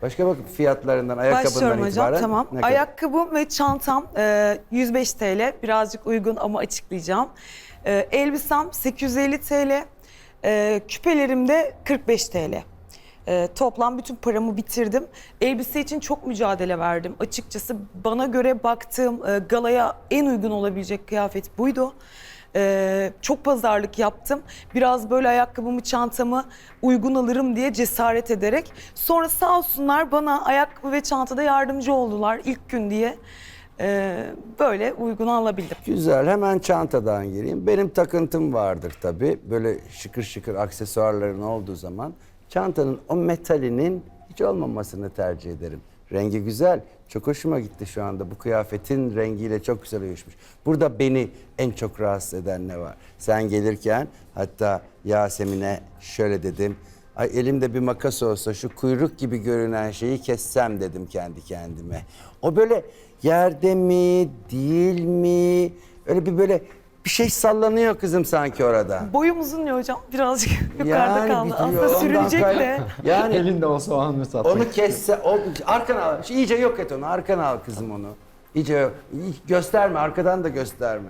Başka bak fiyatlarından, ayakkabından Başlıyorum hocam, itibaren. tamam. ne kadar? Ayakkabım ve çantam 105 TL. Birazcık uygun ama açıklayacağım. Elbisem 850 TL. Küpelerim de 45 TL. Toplam bütün paramı bitirdim. Elbise için çok mücadele verdim. Açıkçası bana göre baktığım galaya en uygun olabilecek kıyafet buydu. Çok pazarlık yaptım. Biraz böyle ayakkabımı, çantamı uygun alırım diye cesaret ederek. Sonra sağ olsunlar bana ayakkabı ve çantada yardımcı oldular ilk gün diye. Böyle uygun alabildim. Güzel, hemen çantadan gireyim. Benim takıntım vardır tabii. Böyle şıkır şıkır aksesuarların olduğu zaman çantanın o metalinin hiç olmamasını tercih ederim. Rengi güzel. Çok hoşuma gitti şu anda. Bu kıyafetin rengiyle çok güzel uyuşmuş. Burada beni en çok rahatsız eden ne var? Sen gelirken hatta Yasemin'e şöyle dedim. Ay elimde bir makas olsa şu kuyruk gibi görünen şeyi kessem dedim kendi kendime. O böyle yerde mi, değil mi? Öyle bir böyle bir şey sallanıyor kızım sanki orada. Boyum uzun ya hocam. Birazcık yukarıda kaldı. biliyor, Aslında ondan sürülecek de. Yani Elinde olsa o an mı satmak? onu kesse, o arkana al. İyice yok et onu. Arkana al kızım onu. İyice gösterme, arkadan da gösterme.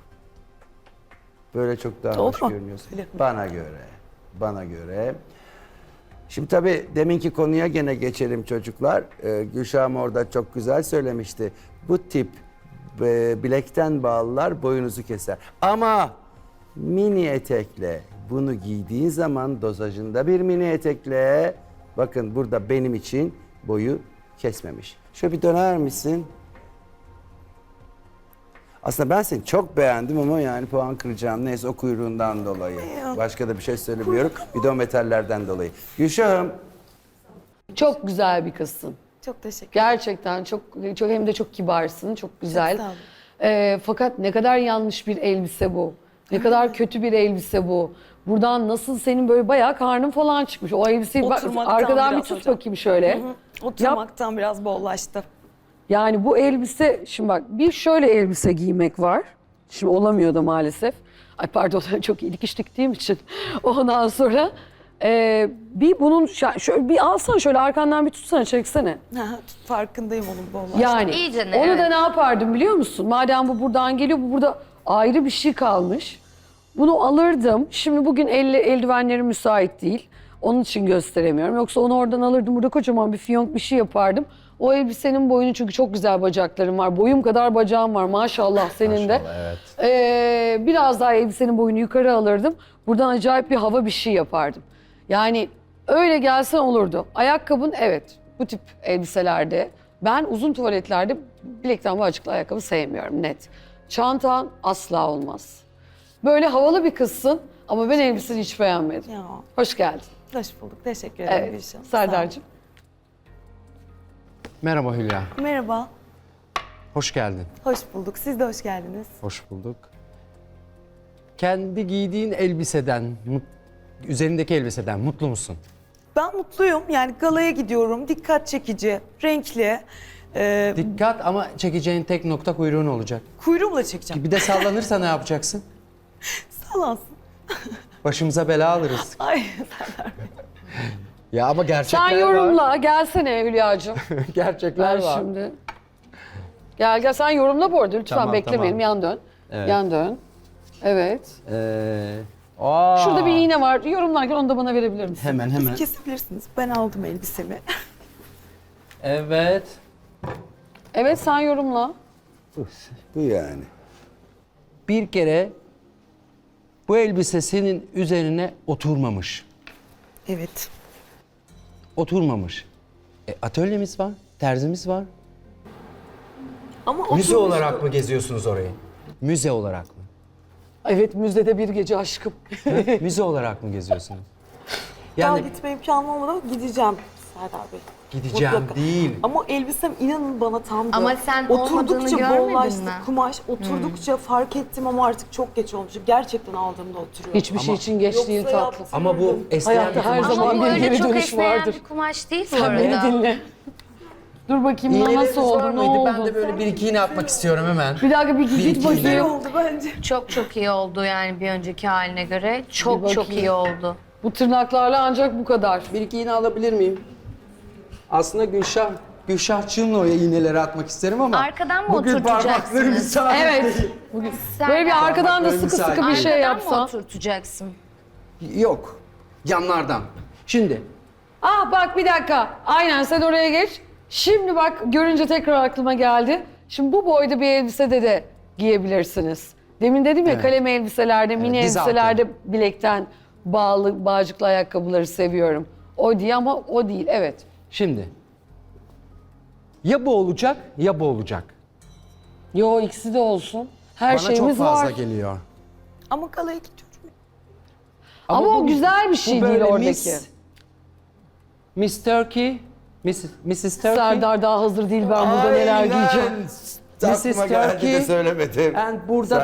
Böyle çok daha hoş Oldu mu? görünüyorsun. Öyle mi? Bana göre. Bana göre. Şimdi tabii deminki konuya gene geçelim çocuklar. Gülşah'ım orada çok güzel söylemişti. Bu tip bilekten bağlılar boyunuzu keser. Ama mini etekle bunu giydiğin zaman dozajında bir mini etekle bakın burada benim için boyu kesmemiş. Şöyle bir döner misin? Aslında ben seni çok beğendim ama yani puan kıracağım. Neyse o kuyruğundan dolayı. Başka da bir şey söylemiyorum. Bir de o metallerden dolayı. Gülşah'ım Çok güzel bir kızsın. Çok teşekkür Gerçekten çok hem de çok kibarsın, çok güzel. Çok sağ olun. Fakat ne kadar yanlış bir elbise bu. Ne kadar kötü bir elbise bu. Buradan nasıl senin böyle bayağı karnın falan çıkmış. O elbiseyi bak, Oturmaktan arkadan bir biraz tut hocam. bakayım şöyle. Oturmaktan biraz bollaştı. Yani bu elbise, şimdi bak bir şöyle elbise giymek var. Şimdi olamıyor da maalesef. Ay pardon çok iyi dikiş diktiğim için. Ondan sonra bir bunun şöyle bir alsana şöyle arkandan bir tutsana çeksene. Farkındayım onun bollaştı. Yani İyicene, onu evet. da ne yapardım biliyor musun? Madem bu buradan geliyor, bu burada ayrı bir şey kalmış. Bunu alırdım. Şimdi bugün eldivenlerim müsait değil. Onun için gösteremiyorum. Yoksa onu oradan alırdım. Burada kocaman bir fiyonk bir şey yapardım. O elbisenin boyunu çünkü çok güzel bacaklarım var. Boyum kadar bacağım var maşallah senin de. Evet. Biraz daha elbisenin boyunu yukarı alırdım. Buradan acayip bir hava bir şey yapardım. Yani öyle gelsen olurdu. Ayakkabın evet bu tip elbiselerde. Ben uzun tuvaletlerde bilekten bu açıklı ayakkabı sevmiyorum net. Çantan asla olmaz. Böyle havalı bir kızsın ama ben elbiseni hiç beğenmedim. Ya, Hoş geldin. hoş bulduk. Teşekkür ederim Evet. Gülşah. Sağ Serdar'cığım. Merhaba Hülya. olun. Merhaba. Hoş geldin. Hoş bulduk. Siz de hoş geldiniz. Hoş bulduk. Kendi giydiğin elbiseden, üzerindeki elbiseden mutlu musun? Ben mutluyum. Yani galaya gidiyorum. Dikkat çekici, renkli. Dikkat ama çekeceğin tek nokta kuyruğun olacak. Kuyruğumla çekeceğim. Bir de sallanırsa ne yapacaksın? Sallansın. Başımıza bela alırız. Ay Ya ama gerçekler Sen yorumla. Gelsene Hülya'cığım. var. Gerçekler Ver var. şimdi. Gel sen yorumla bu arada lütfen Tamam, beklemeyelim. tamam. Yan dön. Evet. Yan dön. Evet. Aa. Şurada bir iğne var. Yorumlarken onu da bana verebilir misin? Hemen. kesebilirsiniz. Ben aldım elbisemi. Evet. Evet sen yorumla. bu yani. Bir kere bu elbise senin üzerine oturmamış. Evet. Oturmamış. Atölyemiz var, terzimiz var. Ama Müze oturmuş- olarak mı geziyorsunuz orayı? Müze olarak mı? Evet müzdede bir gece aşkım. Müze olarak mı geziyorsunuz? Daha Yani gitme imkanım olmadan gideceğim Serdar Bey. gideceğim Mutlaka. değil. Ama elbisem inanın bana tamdı. Ama sen olmadığını oturdukça görmedin bollaştı mi? kumaş. Oturdukça fark ettim ama artık çok geç olmuş. Gerçekten aldığımda oturuyor. Hiçbir şey için geç değil Yoksa tatlım. Ama bu esneyen Hayatta bir her kumaş zaman değil. Ama bu bir öyle geri çok dönüş esneyen vardır. bir kumaş değil bu Sen beni arada. dinle. Dur bakayım İğneleriniz nasıl var oldu, ne mıydı? Ben oldu? de böyle bir iki iğne atmak istiyorum hemen. Bir dakika bir git iki Güzel bakayım. oldu bence. Çok iyi oldu yani bir önceki haline göre. Bir Çok bakayım. iyi oldu. Bu tırnaklarla ancak bu kadar. Bir iki iğne alabilir miyim? Aslında Gülşahçığımla oraya iğneleri atmak isterim ama Arkadan mı bugün oturtacaksınız? parmaklarım müsait Evet. değil. Bugün Sen böyle bir arkadan da Parmaklarım sıkı sıkı bir müsait. şey Arkadan mı yapsan. oturtacaksın? Yok. Yanlardan. Şimdi Bak bir dakika. Aynen sen oraya geç. Şimdi bak görünce tekrar aklıma geldi. Şimdi bu boyda bir elbisede de giyebilirsiniz. Demin dedim ya Evet. kalem elbiselerde, mini diz altı. elbiselerde bilekten bağlı bağcıklı ayakkabıları seviyorum. O diye ama o değil. Evet. Şimdi. Ya bu olacak ya bu olacak. Yo ikisi de olsun. Her Bana çok şeyimiz fazla var. geliyor. Ama galaya gidiyorum. Ama o güzel bir şey bu değil böyle oradaki. Miss Turkey, Mrs. Turkey. Serdar daha hazır değil, ben burada neler giyeceğim. Mrs. Aklıma geldi de Turkey. söylemedim. And burada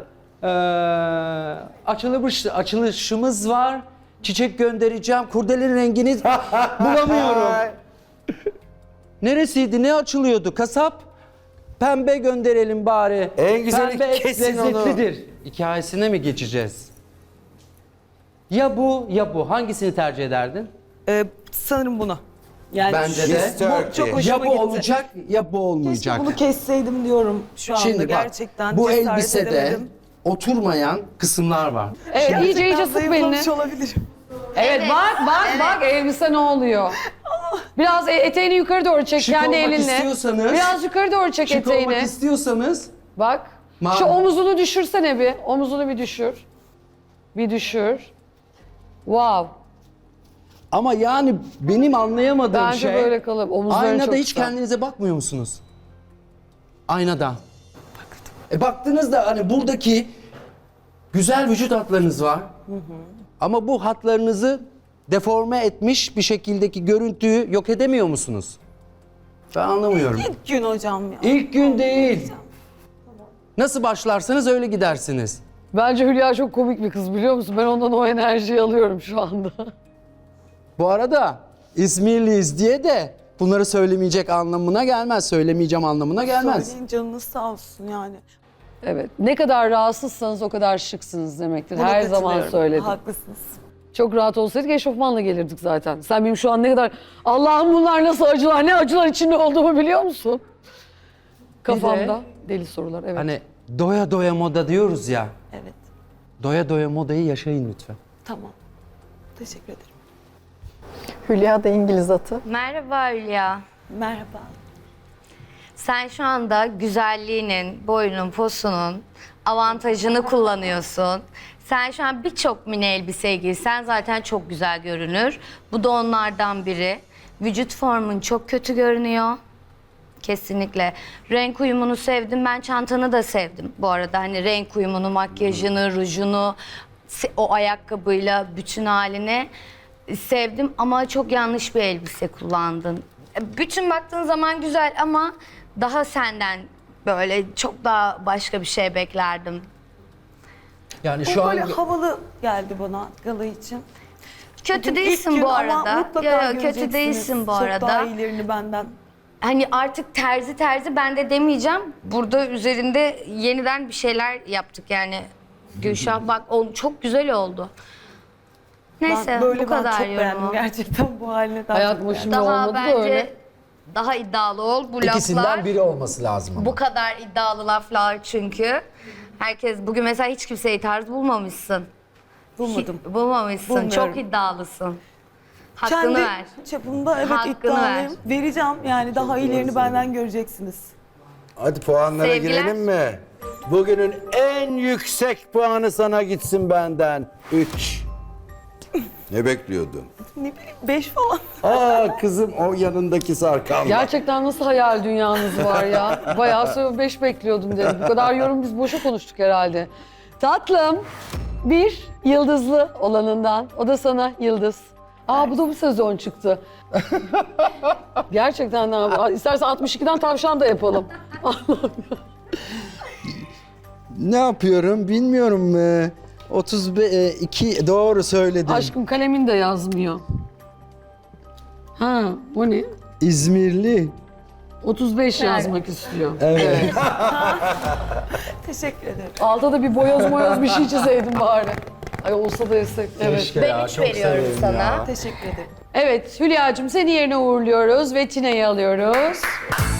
da açılışımız var. Çiçek göndereceğim. Kurdelenin rengini bulamıyorum. Neresiydi? Ne açılıyordu? Kasap. Pembe gönderelim bari. En güzeli Pembe et kesin onu. lezzetlidir. Hikayesine mi geçeceğiz? Ya bu ya bu. Hangisini tercih ederdin? Sanırım bunu. Yani Bence de. Miss Turkey. çok hoşuma Ya bu gitti. olacak ya bu olmayacak. Keşke bunu kesseydim diyorum şu anda Şimdi bak, gerçekten. bu cesaret elbisede edemedim. oturmayan kısımlar var. Evet, iyice Gerçekten iyice sık belini. zayıflamış olabilirim. Evet, bak elbise ne oluyor? Biraz eteğini yukarı doğru çek Şık kendi olmak elinle. istiyorsanız- Biraz yukarı doğru çek Şık eteğini. olmak istiyorsanız Bak. Şu omuzunu düşürsene bir. Omuzunu bir düşür. Bir düşür. Wow. ama yani benim anlayamadığım Bence şey böyle kalıp omuzların aynada çok hiç güzel. kendinize bakmıyor musunuz? Aynada. Baktığınızda hani buradaki güzel vücut hatlarınız var. Ama bu hatlarınızı deforme etmiş bir şekildeki görüntüyü yok edemiyor musunuz? Ben anlamıyorum. İlk gün hocam ya. İlk gün değil. Nasıl başlarsanız öyle gidersiniz. Bence Hülya çok komik bir kız, biliyor musun? Ben ondan o enerjiyi alıyorum şu anda. Bu arada İzmirliyiz diye de bunları söylemeyecek anlamına gelmez. Söylemeyeceğim anlamına gelmez. Söyleyin canınız sağ olsun yani. Evet. Ne kadar rahatsızsanız o kadar şıksınız demektir. Buna Her zaman katılıyorum. söyledim. Haklısınız. Çok rahat olsaydık eşofmanla gelirdik zaten. Sen benim şu an ne kadar... Allah'ım bunlar nasıl acılar, ne acılar içinde olduğumu biliyor musun? Kafamda deli sorular, evet. Hani doya doya moda diyoruz ya. Evet. Doya doya modayı yaşayın lütfen. Tamam. Teşekkür ederim. Hülya da İngiliz atı. Merhaba Hülya. Merhaba. Sen şu anda güzelliğinin, boyunun, posunun avantajını kullanıyorsun. Sen şu an birçok mini elbise giysen zaten çok güzel görünür. Bu da onlardan biri. Vücut formun çok kötü görünüyor. Kesinlikle. Renk uyumunu sevdim. Ben çantanı da sevdim bu arada. Hani renk uyumunu, makyajını, rujunu, o ayakkabıyla bütün halini sevdim. Ama çok yanlış bir elbise kullandın. Bütün baktığın zaman güzel ama daha senden böyle çok daha başka bir şey beklerdim. Yani Bu şu an böyle havalı geldi bana gala için. Kötü Bugün değilsin ilk gün bu ama arada. mutlaka Yo, kötü göreceksiniz. değilsin bu Çok arada. daha iyilerini benden. Hani artık terzi ben de demeyeceğim. Burada üzerinde yeniden bir şeyler yaptık yani. Gülşah bak çok güzel oldu. Neyse Ben böyle bu kadar çok beğendim yorumu. gerçekten bu haline daha Hayat çok bu beğendim. şimdi Daha olmadı da bence öyle. daha iddialı ol. Bu ikisinden laflar biri olması lazım ama. bu kadar iddialı laflar çünkü. Herkes bugün mesela hiç kimseyi tarz bulmamışsın. Bulmadım. Bulmamışsın. Bulmuyorum. Çok iddialısın. Hakkını Kendi ver. çapımda evet Hakkını iddialıyım. Vereceğim yani daha iyilerini benden göreceksiniz. Hadi puanlara Sevgiler. girelim mi? Bugünün en yüksek puanı sana gitsin benden. 3. Ne bekliyordun? Ne bileyim 5 falan. Aa kızım o yanındaki sarkan. Gerçekten nasıl hayal dünyanız var ya? Bayağı 5 bekliyordum dedim. Bu kadar yorum biz boşa konuştuk herhalde. Tatlım, bir yıldızlı olanından. O da sana yıldız. Bu da bu sezon çıktı. Gerçekten abi. İstersen 62'den tavşan da yapalım. Ne yapıyorum bilmiyorum. 32 doğru söyledim. Aşkım kalemin de yazmıyor. Ha, o ne? İzmirli. 35 yazmak istiyor. Evet. Teşekkür ederim. Altta da bir boyoz bir şey çizeydim bari. Ay olsa da yesek. Evet. Keşke Ben ya, 3 çok veriyorum severim sana. ya. Teşekkür ederim. Evet Hülya'cığım seni yerine uğurluyoruz ve Tine'yi alıyoruz.